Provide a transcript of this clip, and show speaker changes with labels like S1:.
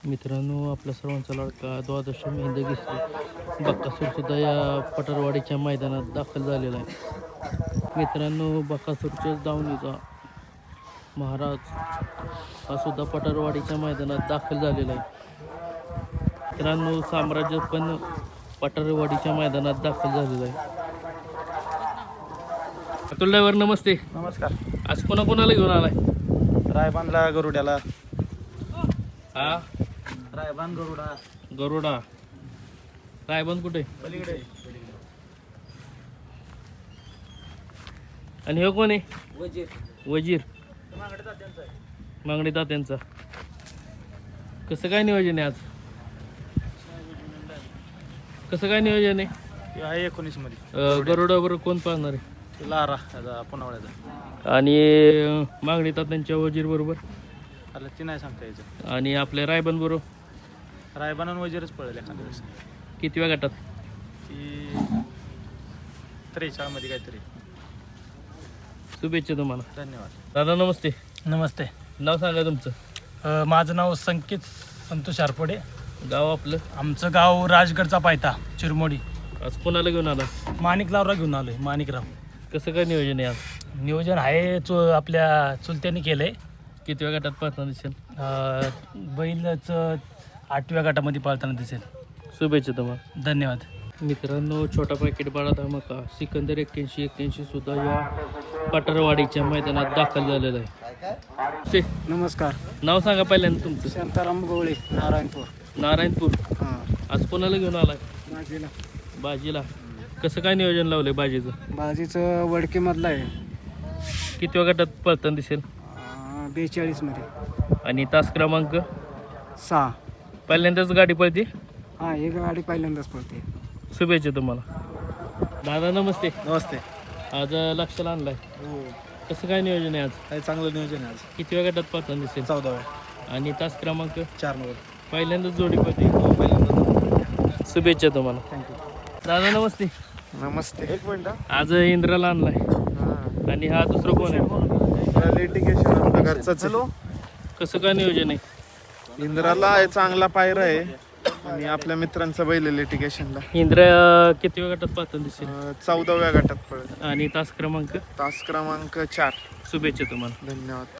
S1: मित्रांनो, आपल्या सर्वांचा लाडका द्वादश हिंद केसरी बकासूर सुद्धा या पठारवाडीच्या मैदानात दाखल झालेला आहे. मित्रांनो, बकासूरच्याच दावणीचा महाराज हा सुद्धा पठारवाडीच्या मैदानात दाखल झालेला आहे. मित्रांनो, साम्राज्य पण पठारवाडीच्या मैदानात दाखल झालेलं आहे. अतुल ड्रायव्हर नमस्ते.
S2: नमस्कार.
S1: आज कोणाकोणाला घेऊन आलाय?
S2: रायबानला गरुड्याला.
S1: हा,
S2: रायबान गरुडा
S1: गरुडा. रायबंद कुठे?
S2: पलीकडे.
S1: आणि हे कोण आहे?
S2: वजीर.
S1: वजीर. मागणी तात्यांचा. कसं काय नियोजन आहे आज? कसं काय नियोजन आहे?
S2: आहे 19 मध्ये.
S1: गरुडाबरोबर कोण पाहणार आहे?
S2: लारा पुनावळ्याचा.
S1: आणि मागणी तात्यांच्या वजीर बरोबर
S2: आला ती नाही सांगता यायचं.
S1: आणि आपल्या रायबंद बरोबर
S2: रायबान आणि वजीरच पडेल एखाद्या वेळेस.
S1: किती वेळ गटात?
S2: ती 43 मध्ये काहीतरी.
S1: शुभेच्छा तुम्हाला.
S2: धन्यवाद.
S1: दादा नमस्ते.
S3: नमस्ते.
S1: नाव सांगा तुमचं.
S3: माझं नाव संकेत संतोष आरपडे.
S1: गाव आपलं?
S3: आमचं गाव राजगडचा पायथा चिरमोडी.
S1: आज कोणाला घेऊन आला?
S3: माणिकरावला घेऊन आलोय. माणिकराव.
S1: कसं काय नियोजन आहे आज?
S3: नियोजन आहे आपल्या चुलत्यांनी केलं आहे.
S1: किती वेळ गटात पाहताना दिसेल?
S3: बैलचं 8व्या गटामध्ये पाळताना दिसेल.
S1: शुभेच्छा तुम्हाला.
S3: धन्यवाद.
S1: मित्रांनो, छोटा पॅकेट बाळा धमाका सिकंदर 81 सुद्धा या पठारवाडीच्या मैदानात दाखल झालेला आहे.
S3: नमस्कार.
S1: नाव सांगा पहिल्यांदा तुमचं.
S3: शांताराम गवळे, नारायणपूर.
S1: नारायणपूर. आज कोणाला घेऊन आलाय?
S3: बाजीला.
S1: बाजीला. कसं काय नियोजन लावलंय बाजीचं?
S3: बाजीचं वडकेमधलं आहे.
S1: किती वेळ गटात पळताना दिसेल?
S3: 42 मध्ये.
S1: आणि तास क्रमांक?
S3: 6.
S1: पहिल्यांदाच गाडी पळते?
S3: हां, ही गाडी पहिल्यांदाच पळते.
S1: शुभेच्छा तुम्हाला. दादा नमस्ते.
S2: नमस्ते.
S1: आज लक्षाला आणलाय.
S2: हो,
S1: कसं काय नियोजन आहे आज?
S2: काही चांगलं नियोजन आहे आज.
S1: किती वेळ गटात पळताना दिसेल?
S2: 14व्या.
S1: आणि तास क्रमांक?
S2: 4 नंबर.
S1: पहिल्यांदाच जोडी पळते.
S2: पहिल्यांदा.
S1: शुभेच्छा तुम्हाला.
S2: थँक्यू.
S1: दादा नमस्ते.
S2: नमस्ते. एक मिनिट.
S1: आज इंद्राला आणलाय. आणि हा दुसरं कोण आहे?
S4: लिटिगेशन आपल्या घरचाच आहे.
S1: कसं काय नियोजन आहे?
S4: इंद्राला आहे, चांगला पायरा आहे आणि आपल्या मित्रांचा बैल आहे लिटिगेशनला.
S1: इंद्र किती वेळ गटात पाहताना दिसेल?
S4: 14व्या गटात पडत.
S1: आणि तास क्रमांक?
S4: तास क्रमांक 4.
S1: शुभेच्छा तुम्हाला.
S4: धन्यवाद.